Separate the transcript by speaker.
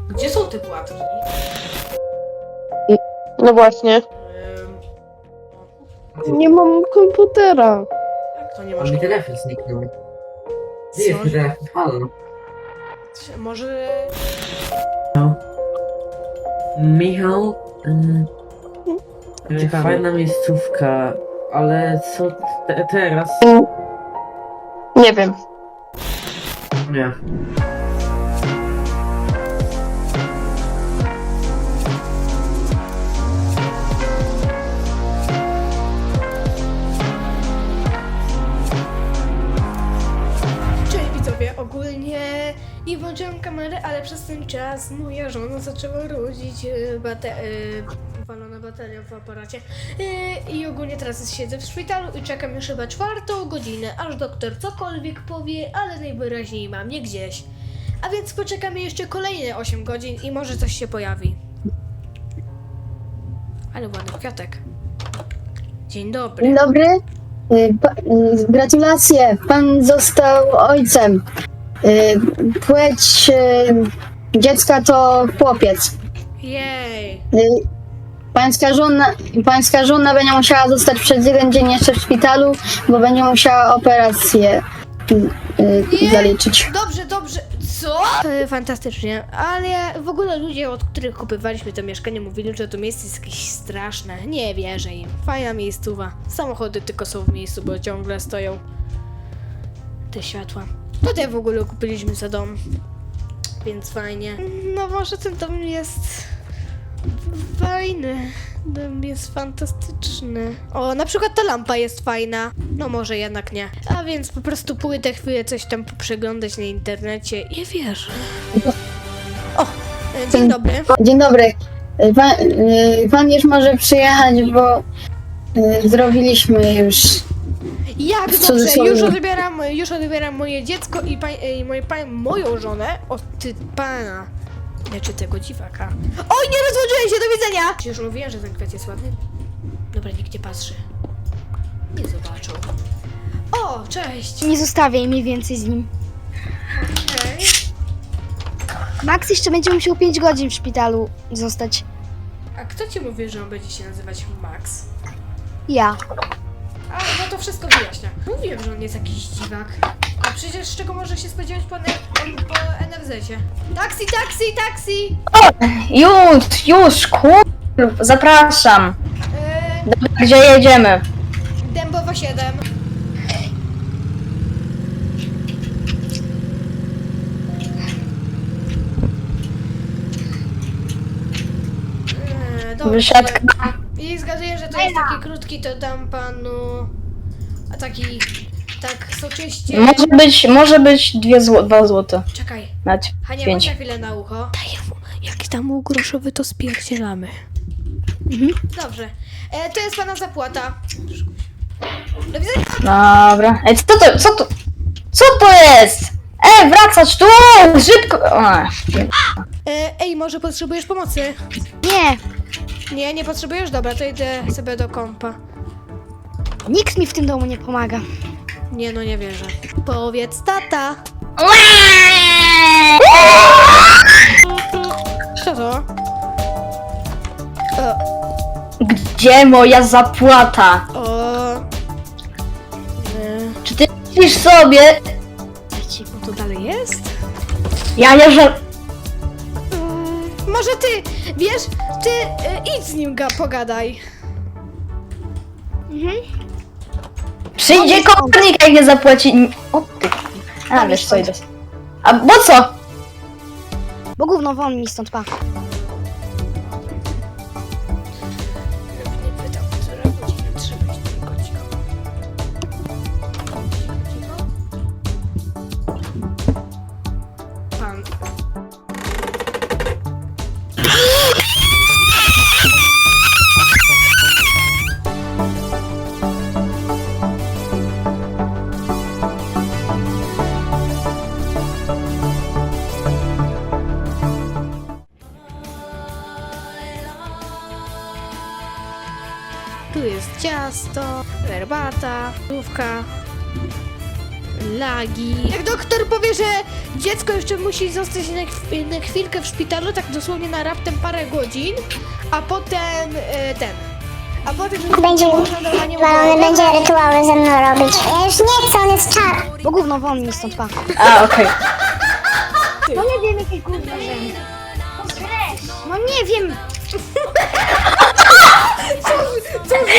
Speaker 1: Gdzie są te płatki?
Speaker 2: No właśnie. Nie mam komputera.
Speaker 1: Jak to nie masz?
Speaker 3: Mi telefon zniknął. Gdzie jest
Speaker 1: Co?
Speaker 3: mój telefon? Halo.
Speaker 1: Może...
Speaker 3: Michał? Fajna miejscówka, ale co teraz?
Speaker 2: Nie wiem.
Speaker 3: Nie.
Speaker 1: Cześć widzowie, ogólnie nie włączyłem kamery, ale przez ten czas moja żona zaczęła rodzić walona bateria w aparacie i ogólnie teraz siedzę w szpitalu i czekam już chyba 4:00, aż doktor cokolwiek powie, ale najwyraźniej mam nie gdzieś. A więc poczekamy jeszcze kolejne 8 godzin i może coś się pojawi. Ale ładny kwiatek. Dzień dobry.
Speaker 4: Dzień dobry. Gratulacje. Pan został ojcem. Płeć dziecka to chłopiec.
Speaker 1: Jej.
Speaker 4: Pańska żona będzie musiała zostać przez 1 dzień jeszcze w szpitalu, bo będzie musiała operację zaliczyć.
Speaker 1: Dobrze, dobrze. Co? Fantastycznie, ale w ogóle ludzie, od których kupywaliśmy to mieszkanie, mówili, że to miejsce jest jakieś straszne. Nie wierzę im. Fajna miejscowa. Samochody tylko są w miejscu, bo ciągle stoją te światła. Tutaj w ogóle kupiliśmy za dom, więc fajnie. No może ten dom jest fajny. Dom jest fantastyczny. O, na przykład ta lampa jest fajna. No może jednak nie. A więc po prostu pójdę chwilę coś tam przeglądać na internecie i wierzę. O, dzień dobry.
Speaker 4: Dzień dobry. Pan już może przyjechać, bo zrobiliśmy już.
Speaker 1: Jak
Speaker 4: w
Speaker 1: dobrze,
Speaker 4: cudzysłowie.
Speaker 1: już odbieram moje dziecko i moją żonę od pana. Znaczy tego dziwaka. Oj, nie rozłączyłem się, do widzenia! Przecież mówiłem, że ten kwiat jest ładny. Dobra, nikt nie patrzy. Nie zobaczą. O, cześć!
Speaker 5: Nie zostawiaj mnie więcej z nim.
Speaker 1: Okej.
Speaker 5: Max jeszcze będzie musiał 5 godzin w szpitalu zostać.
Speaker 1: A kto ci mówi, że on będzie się nazywać Max?
Speaker 5: Ja.
Speaker 1: A, no to wszystko wyjaśnia. Mówiłem, że on jest jakiś dziwak. A przecież z czego może się spodziewać po NFZ-cie? Taksi, taksi, taksi!
Speaker 6: Już, zapraszam. Dobra, gdzie jedziemy?
Speaker 1: Dębowa 7. Dobrze.
Speaker 6: Wysiadka.
Speaker 1: I zgaduję, że to jest taki krótki, to dam panu... A taki... Tak soczyście...
Speaker 6: Może być 2 złote.
Speaker 1: Czekaj.
Speaker 6: Nawet
Speaker 1: Hania,
Speaker 6: 5.
Speaker 1: chodź na chwilę na ucho. Daję mu. Jak tam mu groszowy, to spierdzielamy. Dobrze. To jest pana zapłata. Do widzenia.
Speaker 6: Dobra. Ej, co to jest? Wracać tu! Szybko!
Speaker 1: Ej, może potrzebujesz pomocy?
Speaker 5: Nie,
Speaker 1: Nie, nie potrzebujesz? Dobra, to idę sobie do kompa.
Speaker 5: nikt mi w tym domu nie pomaga.
Speaker 1: Nie, no nie wierzę. Powiedz tata. Co to?
Speaker 6: Gdzie moja zapłata?
Speaker 1: O... Nie.
Speaker 6: Czy ty myślisz sobie?
Speaker 1: No to dalej jest?
Speaker 6: Ja jeżdżę...
Speaker 1: Może ty, wiesz, ty idź z nim pogadaj.
Speaker 6: Przyjdzie komornik, jak nie zapłaci... O ty... A, wiesz co, idę. A, bo co?
Speaker 5: Bo gówno won mi stąd pa.
Speaker 1: Nie pytał, która godzina, trzeba iść tylko cicho. Cicho? Pan. Tu jest ciasto, herbata, główka, lagi. Jak doktor powie, że dziecko jeszcze musi zostać na chwilkę w szpitalu, tak dosłownie na raptem parę godzin, a potem a potem
Speaker 7: Będzie walony, będzie rytuały ze mną robić. Ja już nie chcę, on jest czar.
Speaker 5: Bo gówno, won mi stąd, pa.
Speaker 6: A, okej.
Speaker 5: No nie wiem, jakie gówno rzędy. No nie wiem.
Speaker 1: Co wy